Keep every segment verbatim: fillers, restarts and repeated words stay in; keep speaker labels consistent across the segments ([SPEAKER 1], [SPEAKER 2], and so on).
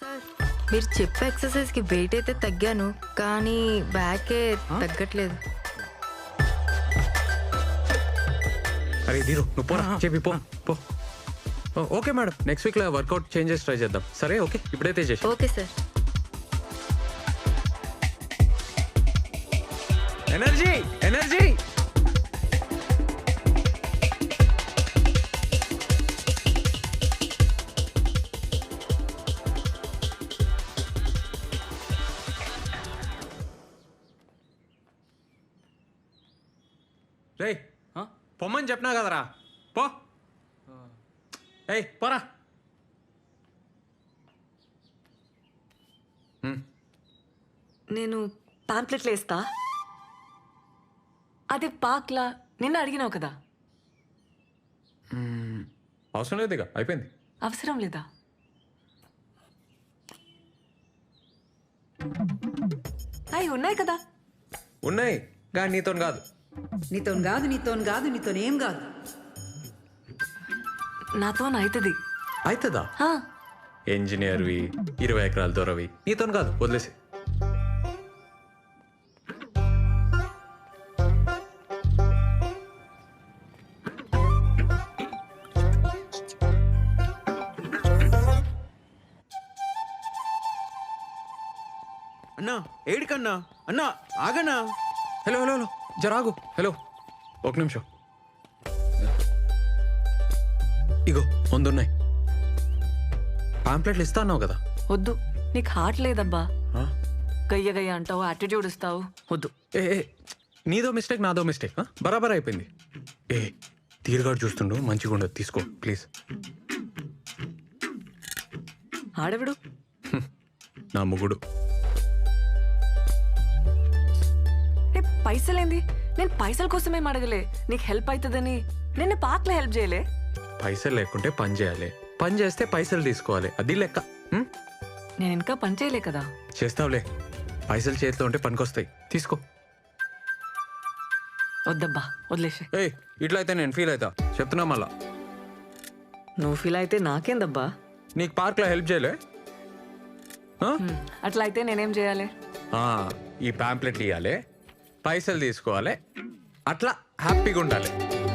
[SPEAKER 1] మీరు చెప్పే ఎక్సర్సైజ్ కి వెయిట్ అయితే తగ్గాను, కానీ బ్యాకే తగ్గట్లేదు.
[SPEAKER 2] అరే దీరు నువ్వు పోరా, చెప్పి పో పో. ఓకే మేడం, నెక్స్ట్ వీక్ లో వర్కౌట్ చేంజెస్ ట్రై చేద్దాం. సరే ఓకే, ఇప్పుడైతే చేసి.
[SPEAKER 1] Okay sir.
[SPEAKER 2] ఎనర్జీ ఎనర్జీ రే పొమ్మని చెప్పినా కదరా, పో. ఏయ్ పోరా.
[SPEAKER 3] నేను పాంప్లెట్లు వేస్తా. అదే పాక్లా నిన్న అడిగినావు కదా.
[SPEAKER 2] అవసరం లేదు, ఇక అయిపోయింది.
[SPEAKER 3] అవసరం లేదా? అవి ఉన్నాయి కదా.
[SPEAKER 2] ఉన్నాయి కానీ నీతో కాదు.
[SPEAKER 4] నీతో కాదు నీతో కాదు నీతో ఏం కాదు.
[SPEAKER 3] నాతో అవుతుంది.
[SPEAKER 2] అవుతుందా? ఇంజనీర్వి, ఇరవై ఎకరాల దూరవి, నీతో కాదు, వదిలేసి.
[SPEAKER 5] అన్నా ఏడికన్నా అన్నా ఆగన్నా.
[SPEAKER 2] హలో హలో హలో జరాగు. హలో ఒక నిమిషం. ఇగో ముందున్నాయి పాంప్లెట్లు. ఇస్తా అన్నావు కదా.
[SPEAKER 3] వద్దు, నీకు హార్ట్ లేదబ్బా. గయ్య గయ్య అంటావు, యాటిట్యూడ్ ఇస్తావు. వద్దు.
[SPEAKER 2] ఏ ఏ నీదో మిస్టేక్, నాదో మిస్టేక్. బరాబర్ అయిపోయింది. ఏ తీరుగాడు చూస్తుండు, మంచిగా ఉండదు, తీసుకో ప్లీజ్.
[SPEAKER 3] ఆడవిడు
[SPEAKER 2] నా ముగుడు.
[SPEAKER 3] పైసలేంది? నేను పైసల కోసమేం అడగలే, నీకు హెల్ప్ అవుతుందని. నిన్న పార్క్లో హెల్ప్ చేయలే.
[SPEAKER 2] పైసలు లేకుంటే పని చేయాలి, పని చేస్తే పైసలు తీసుకోవాలి, అది లెక్క.
[SPEAKER 3] నేను ఇంకా పని చేయలే కదా.
[SPEAKER 2] చేస్తావులే, పైసలు చేతిలో ఉంటే పనికొస్తాయి, తీసుకో.
[SPEAKER 3] వద్దబ్బా, వదిలేసే.
[SPEAKER 2] ఏయ్ ఇట్లా అయితే నేను ఫీల్ అవుతా, చెప్తున్నా మళ్ళా.
[SPEAKER 3] నువ్వు ఫీల్ అయితే నాకేందబ్బా.
[SPEAKER 2] నీకు పార్క్లో హెల్ప్ చేయలే?
[SPEAKER 3] అట్లా అయితే నేనేం చేయాలి?
[SPEAKER 2] ఈ పాంప్లెట్లు ఇవ్వాలి, పైసలు తీసుకోవాలి, అట్లా హ్యాపీగా ఉండాలి.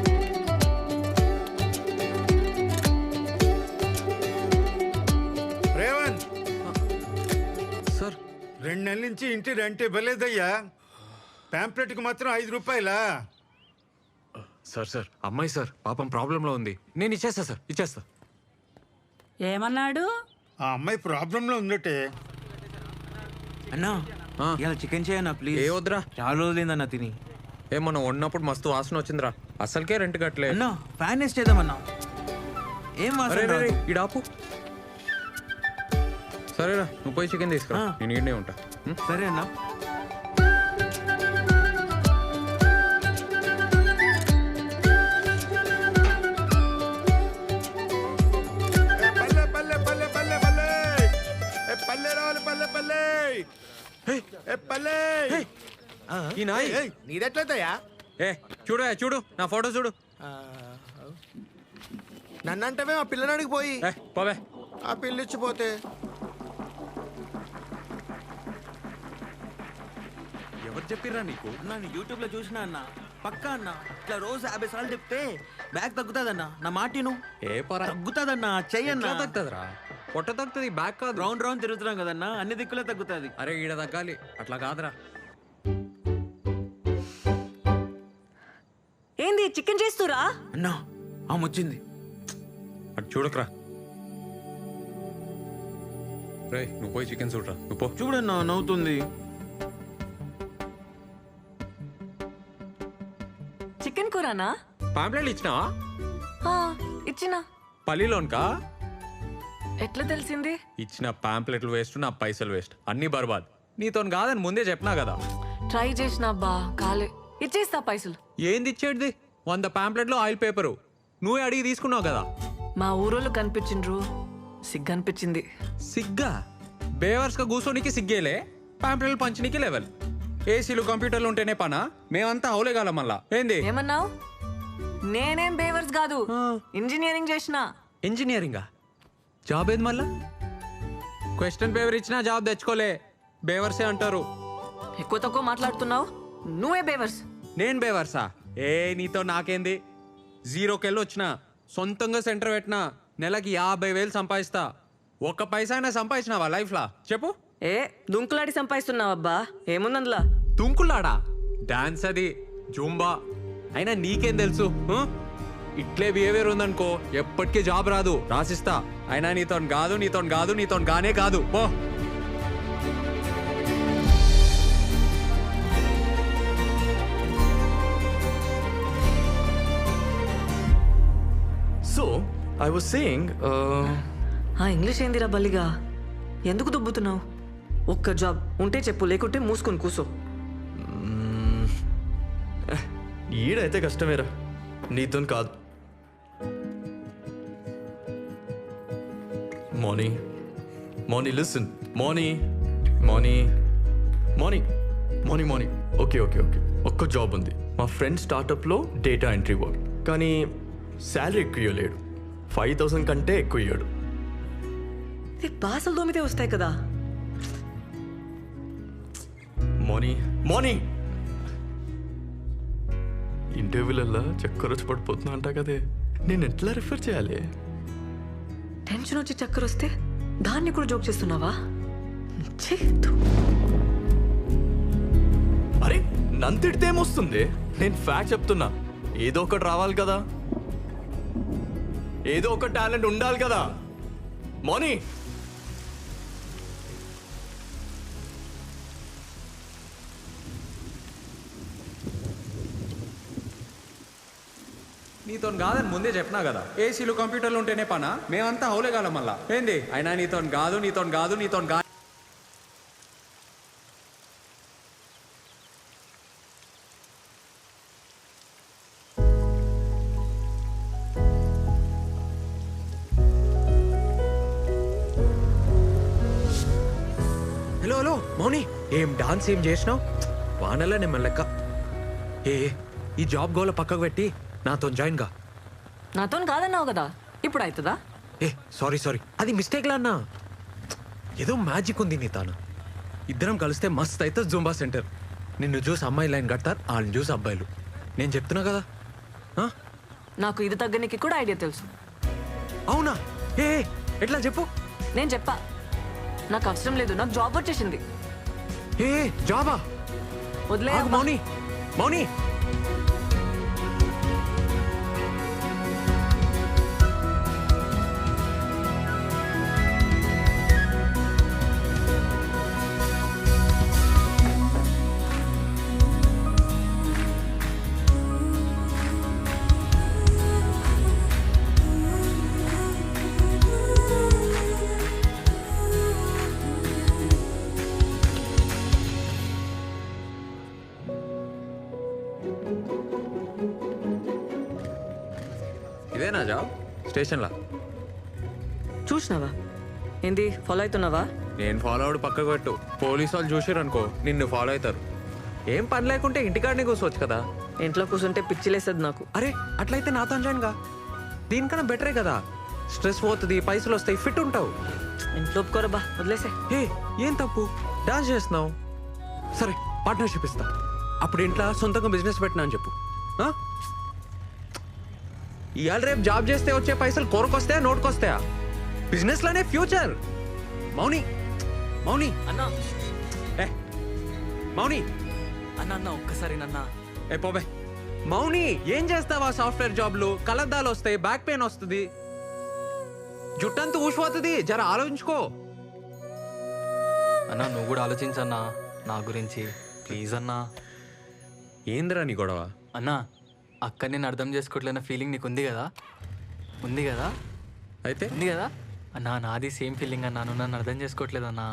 [SPEAKER 6] రేవంత్
[SPEAKER 2] సార్,
[SPEAKER 6] రెండు నెలల నుంచి ఇంటి రెంట్ ఇవ్వలేదయ్యా. పాంప్లెట్కి మాత్రం ఐదు రూపాయలా?
[SPEAKER 2] సార్ సార్ అమ్మాయి సార్ పాపం ప్రాబ్లంలో ఉంది, నేను ఇచ్చేస్తా సార్, ఇచ్చేస్తా.
[SPEAKER 4] ఏమన్నాడు?
[SPEAKER 6] ఆ అమ్మాయి ప్రాబ్లంలో ఉందటే.
[SPEAKER 5] అన్నా ఇలా చికెన్ చేయన్నా ప్లీజ్.
[SPEAKER 2] ఏ వద్దురా,
[SPEAKER 5] చాలా రోజులైందన్నా తిని.
[SPEAKER 2] ఏ మనం వండినప్పుడు మస్తు వాసన వచ్చిందిరా, అసలుకే రెంట్ కట్టలే.
[SPEAKER 5] అన్నా ఫ్యాన్ వేస్ట్ చేద్దామన్నా. ఏం వాసన
[SPEAKER 2] అరే
[SPEAKER 5] రాదు.
[SPEAKER 2] ఇడాపు. సరేరా నువ్వు పోయి చికెన్ తీసుకురా, నేను ఈడనే ఉంటా.
[SPEAKER 5] సరే అన్నా.
[SPEAKER 6] పల్లె పల్లె పల్లె పల్లె పల్లె ఏ పల్లె రావాలి, పల్లె పల్లె ఏ పల్లె.
[SPEAKER 2] ఈ నాయ్
[SPEAKER 6] నీదెట్లయితయా?
[SPEAKER 2] ఏ చూడు చూడు నా ఫోటో చూడు.
[SPEAKER 6] నన్నంటవే ఆ పిల్లనాడికి పోయి
[SPEAKER 2] ఏ పోవే.
[SPEAKER 6] ఆ పిల్లిచ్చిపోతే
[SPEAKER 2] ఎవరు చెప్పిర్రా నీకు?
[SPEAKER 5] నేను యూట్యూబ్ లో చూసినా అన్న, పక్కా అన్న. ఇట్లా రోజు యాభై సార్లు చెప్తే బ్యాగ్ తగ్గుతాదన్నా. నా మాటిను.
[SPEAKER 2] ఏ పరా
[SPEAKER 5] తగ్గుతాదన్నా, చెయ్యన్నా.
[SPEAKER 2] తగ్గుతుందిరా, పొట్ట తగ్గుతుంది, బ్యాగ్ కాదు.
[SPEAKER 5] రౌండ్ రౌండ్ తిరుగుతున్నాం కదన్నా, అన్ని దిక్కులే తగ్గుతుంది.
[SPEAKER 2] అరే ఈడ తగ్గాలి, అట్లా కాదురా.
[SPEAKER 3] ఏంది చికెన్ చేస్తురా?
[SPEAKER 5] అన్నా ఆమె వచ్చింది.
[SPEAKER 2] అటు చూడకరా. రే నువ్వు పోయి చికెన్ చూడరా, నువ్వు పో.
[SPEAKER 5] చూడన్నా నవ్వుతుంది.
[SPEAKER 3] చికెన్ కూరనా?
[SPEAKER 2] పాంప్లెట్లు ఇచ్చినావా?
[SPEAKER 3] ఇచ్చినా.
[SPEAKER 2] పల్లిలోన్కా?
[SPEAKER 3] ఎట్లా తెలిసింది?
[SPEAKER 2] ఇచ్చిన పాంప్లెట్లు వేస్ట్, నా పైసలు వేస్ట్, అన్ని బర్బాద్. నీతో కాదని ముందే చెప్పినా కదా.
[SPEAKER 3] ట్రై చేసినా బా కాలే. ఇచ్చేస్తా పైసలు.
[SPEAKER 2] ఏంది ఇచ్చేది? వంద పాంప్లెట్లు ఆయిల్ పేపరు నువ్వే అడిగి తీసుకున్నావు కదా.
[SPEAKER 3] మా ఊరోళ్ళు కనిపించిండ్రు, సిగ్గు అనిపించింది.
[SPEAKER 2] సిగ్గా? బేవర్స్ గా కూర్చోనికి సిగ్గేలే, పాంప్లెట్లు పంచనీకి లెవెల్. ఏసీలు కంప్యూటర్లు ఉంటేనే పనా? మేమంతా అవులేగాల మళ్ళా. ఏంది
[SPEAKER 3] ఏమన్నావు? నేనేం బేవర్స్ కాదు, ఇంజనీరింగ్ చేసిన.
[SPEAKER 2] ఇంజనీరింగా? జాబ్ ఏది మళ్ళా? క్వశ్చన్ పేపర్ ఇచ్చినా జాబ్ తెచ్చుకోలే, బేవర్సే అంటారు.
[SPEAKER 3] ఎక్కువ తక్కువ మాట్లాడుతున్నావు, నువ్వే బేవర్స్.
[SPEAKER 2] నేను బేవర్సా? ఏ నీతో నాకేంది? జీరోకెళ్ళి వచ్చిన, సొంతంగా సెంటర్ పెట్టినా, నెలకి యాభై వేలు సంపాదిస్తా. ఒక్క పైసా అయినా సంపాదించినావా లైఫ్లా చెప్పు?
[SPEAKER 3] ఏ దుంకులాడి సంపాదిస్తున్నావబ్బా, ఏముందందులా?
[SPEAKER 2] తుంకులాడా? డాన్స్ అది, జూంబా. అయినా నీకేం తెలుసు? ఆ? ఇట్లే బిహేవియర్ ఉందనుకో ఎప్పటికీ జాబ్ రాదు, రాసిస్తా. అయినా నీతో కాదు, నీతో కాదు, నీతో గానే కాదు పో.
[SPEAKER 7] So, I was saying, uh,
[SPEAKER 3] ఆ ఇంగ్లీష్ ఏందిరా బల్లిగా? ఎందుకు దుబ్బుతున్నావు? ఒక్క జాబ్ ఉంటే చెప్పు, లేకుంటే మూసుకొని కూసో.
[SPEAKER 7] ఈడైతే కష్టమేరా, నీతో కాదు. Moni Moni listen Moni Moni Moni Moni Moni okay okay okay ఒక్క జాబ్ ఉంది మా ఫ్రెండ్ స్టార్టప్లో డేటా ఎంట్రీ వర్క్, కానీ శాలరీ ఎక్కువ ఇవ్వలేడు. ఫైవ్ థౌసండ్ కంటే ఎక్కువ ఇవ్వడు.
[SPEAKER 3] ఇది బాసలు దోమితే వస్తాయి కదా.
[SPEAKER 7] మోనీ మోనీ ఇంటర్వ్యూలల్లా చక్కర వచ్చి పడిపోతున్నా అంటా కదే, నేను ఎట్లా రిఫర్ చేయాలి?
[SPEAKER 3] టెన్షన్ వచ్చి చక్కర వస్తే దాన్ని కూడా జోక్ చేస్తున్నావా? ఛీ, ధూ.
[SPEAKER 7] అరే నన్ను తిడితే ఏమొస్తుంది? నేను ఫ్యాక్ట్ చెప్తున్నా. ఏదో ఒకటి రావాలి కదా, ఏదో ఒక టాలెంట్ ఉండాలి కదా. మోనీ
[SPEAKER 2] నీతో కాదని ముందే చెప్పినా కదా, ఏసీలు కంప్యూటర్లు ఉంటేనే పనా, మేమంతా హౌలేగాలం మళ్ళా ఏంది? అయినా నీతో కాదు, నీతో కాదు, నీతో గా. హలో హలో మౌని, ఏం డాన్స్ ఏం చేసినావు? వానల్లా నేను లెక్క. ఏ ఈ జాబ్ గోల పక్కకు పెట్టి నాతో జాయిన్ గా.
[SPEAKER 3] నాతో కాదన్నావు కదా, ఇప్పుడు అవుతుందా?
[SPEAKER 2] ఏ సారీ సారీ, అది మిస్టేక్ లా అన్నా. ఏదో మ్యాజిక్ ఉంది నీ తాను. ఇద్దరం కలిస్తే మస్త్ అయితే జూంబా సెంటర్. నిన్ను చూసి అమ్మాయి లైన్ కడతారు, వాళ్ళని చూసి అబ్బాయిలు. నేను చెప్తున్నా కదా. ఆ?
[SPEAKER 3] నాకు ఇది తగ్గనికి కూడా ఐడియా తెలుసు.
[SPEAKER 2] అవునా? ఏ ఏ, ఎట్లా చెప్పు.
[SPEAKER 3] నేను చెప్పా, నాకు అవసరం లేదు, నాకు జాబ్ వచ్చేసింది.
[SPEAKER 2] ఏ ఏ, జాబా?
[SPEAKER 3] వదిలే
[SPEAKER 2] ఆగు మౌని, మౌని. ఇదేనా జాబ్? స్టేషన్లా
[SPEAKER 3] చూసినావా? ఏంది ఫాలో అవుతున్నావా?
[SPEAKER 2] నేను ఫాలో అవడు పక్కకు పెట్టు. పోలీసు వాళ్ళు చూసారు అనుకో నిన్ను ఫాలో అవుతారు. ఏం పని లేకుంటే ఇంటికాడనే కూర్చోవచ్చు కదా.
[SPEAKER 3] ఇంట్లో కూర్చుంటే పిచ్చిలేస్తుంది నాకు.
[SPEAKER 2] అరే అట్లయితే నాతో జాయిన్ గా. దీనికన్నా బెటరే కదా, స్ట్రెస్ పోతుంది, పైసలు వస్తాయి, ఫిట్ ఉంటావు.
[SPEAKER 3] ఇంట్లో ఒప్పుకోరబ్బా, వదిలేసే.
[SPEAKER 2] ఏ ఏం తప్పు, డాన్స్ చేస్తున్నావు. సరే పార్ట్నర్షిప్ ఇస్తా. అప్పుడు ఇంట్లో సొంతంగా బిజినెస్ పెట్టినా అని చెప్పు. ఆ? ఇవాళ రేపు జాబ్ చేస్తే వచ్చే పైసలు కొరకొస్తాయా, నోటుకొస్తాయా? బిజినెస్ లోనే ఫ్యూచర్. మౌని మౌని
[SPEAKER 3] అన్నా
[SPEAKER 2] ఏ మౌని
[SPEAKER 3] అన్న అన్న ఒక్కసారి నన్న.
[SPEAKER 2] ఏ పోబే. మౌని ఏం చేస్తావా? సాఫ్ట్వేర్ జాబ్లు కలద్దాలు వస్తాయి, బ్యాక్ పెయిన్ వస్తుంది, జుట్టంతా ఊసిపోతుంది. జర ఆలోచించుకో.
[SPEAKER 8] అన్నా నువ్వు కూడా ఆలోచించన్నా నా గురించి, ప్లీజ్ అన్నా.
[SPEAKER 2] ఏందిరా నీ గొడవ?
[SPEAKER 8] అన్నా అక్క నేను అర్థం చేసుకోవట్లేన ఫీలింగ్ నీకు ఉంది కదా, ఉంది కదా,
[SPEAKER 2] అయితే
[SPEAKER 8] ఉంది కదా అన్నా. నాది సేమ్ ఫీలింగ్ అన్నా, నువ్వు నన్ను అర్థం చేసుకోవట్లేదన్నా.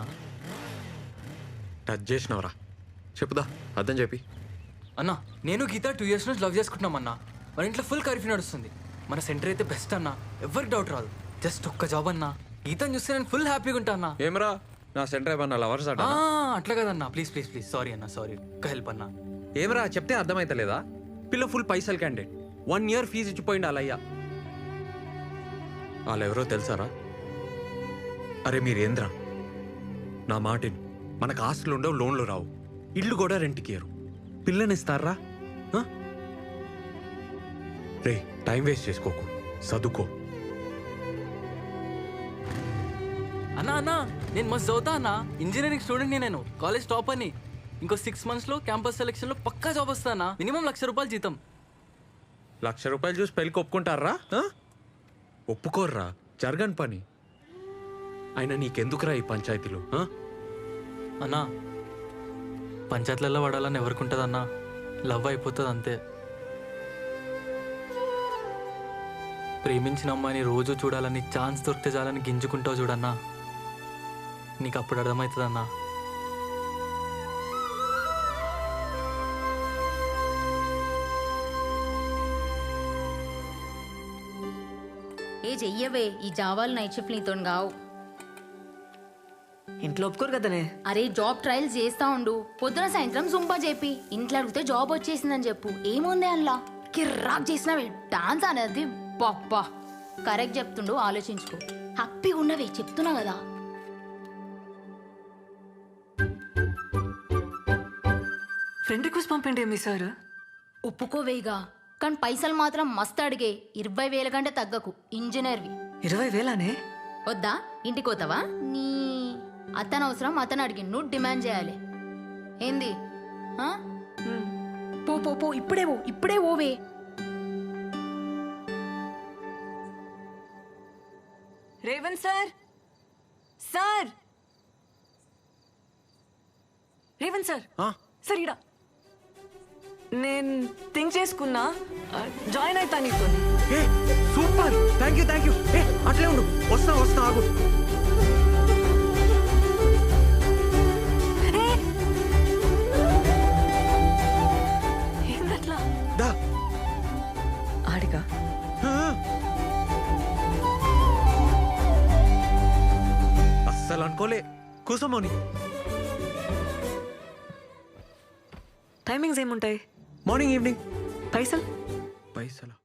[SPEAKER 2] టచ్ చేసినవరా? చెప్పుదా, అర్థం చెప్పి.
[SPEAKER 8] అన్నా నేను గీత టూ ఇయర్స్ నుంచి లవ్ చేసుకుంటున్నాం అన్నా. మన ఇంట్లో ఫుల్ కర్ఫ్యూ నడుస్తుంది. మన సెంటర్ అయితే బెస్ట్ అన్నా, ఎవరికి డౌట్ రాదు. జస్ట్ ఒక్క జాబ్ అన్నా, గీతను చూస్తే నేను ఫుల్ హ్యాపీగా ఉంటా అన్నా.
[SPEAKER 2] ఏమరా నా సెంటర్ ఏమన్నా లవర్స్ అట?
[SPEAKER 8] ఆ, అట్లా కదన్నా, ప్లీజ్ ప్లీజ్ ప్లీజ్ సారీ అన్నా, సారీ. ఒక్క హెల్ప్ అన్నా.
[SPEAKER 2] ఏమరా చెప్తే అర్థమైతలేదా? పిల్ల ఫుల్ పైసలు క్యాండిడేట్, వన్ ఇయర్ ఫీజు ఇచ్చిపోయింది అలయ్యా. వాళ్ళు ఎవరో తెలుసారా? అరే మీరేంద్రా నా మాటిని మనకు ఆస్తులు ఉండవు, లోన్లు రావు, ఇల్లు కూడా రెంట్కి ఇయ్యరు. పిల్లనిస్తారా? ఆ? రే టైం వేస్ట్ చేసుకోకు, చదువుకో.
[SPEAKER 8] అన్నా అన్నా నేను మస్తు చదువుతా అన్నా. ఇంజనీరింగ్ స్టూడెంట్ని నేను, కాలేజ్ టాప్ అని. ఇంకో సిక్స్ మంత్స్లో క్యాంపస్ సెలెక్షన్లో పక్కా జాబ్ వస్తానా. మినిమం లక్ష రూపాయలు జీతం.
[SPEAKER 2] లక్ష రూపాయలు చూసి పెళ్ళికి ఒప్పుకుంటారా? ఆ? ఒప్పుకోర్రా, జరగని పని. అయినా నీకెందుకురా ఈ పంచాయతీలు? ఆ?
[SPEAKER 8] అన్నా పంచాయతీలలో పడాలని ఎవరికి అన్నా, లవ్ అయిపోతుంది అంతే. ప్రేమించిన అమ్మాయిని రోజు చూడాలని ఛాన్స్ దొరికితే చాలని గింజుకుంటావు చూడన్నా, నీకు అప్పుడు అర్థమవుతుందన్నా.
[SPEAKER 9] ఏ చెయ్యవే, ఈ జావాలు నైట్ షిఫ్ట్ నీతో కావు.
[SPEAKER 3] ఇంట్లో ఒప్పుకోరు కదనే.
[SPEAKER 9] అరే జాబ్ ట్రయల్స్ చేస్తా ఉండు, పొద్దున సాయంత్రం జుంపా చెప్పి ఇంట్లో అడిగితే జాబ్ వచ్చేసిందని చెప్పు. ఏముంది అందులో? కిర్రాక్ చేసినవే డాన్స్ అనేది. పప్పా కరెక్ట్ చెప్తుండు, ఆలోచించుకో. హ్యాపీగా ఉన్నవే చెప్తున్నా కదా.
[SPEAKER 3] ఫ్రెండ్ రిక్వెస్ట్ పంపండి మీ సార్.
[SPEAKER 9] ఒప్పుకోవేగా, కానీ పైసలు మాత్రం మస్తు అడిగే. ఇరవై వేల కంటే తగ్గకు, ఇంజనీర్వి.
[SPEAKER 3] ఇరవై వేలానే?
[SPEAKER 9] వద్దా? ఇంటికి పోతావా? నీ అతను అవసరం అతను అడిగి నువ్వు డిమాండ్ చేయాలి. ఏంది? ఆ? పో పో పో, ఇప్పుడే పో, ఇప్పుడే ఓవే.
[SPEAKER 3] Revanth sir, sir, Revanth sir,
[SPEAKER 2] ఆ?
[SPEAKER 3] సార్ ఇడా నేను థింక్ చేసుకున్నా, జాయిన్ అవుతా నీతో.
[SPEAKER 2] ఏ super, thank you thank you. ఏ అట్లే ఉండు, వస్తా వస్తా, ఆగు.
[SPEAKER 3] ఏందట్లా?
[SPEAKER 2] దా.
[SPEAKER 3] ఆడిగా
[SPEAKER 2] ఆ. అస్సలు అనుకోలే. కూసమోని.
[SPEAKER 3] టైమింగ్స్ ఏముంటాయి?
[SPEAKER 2] Morning evening.
[SPEAKER 3] పైసలు?
[SPEAKER 2] పైసలు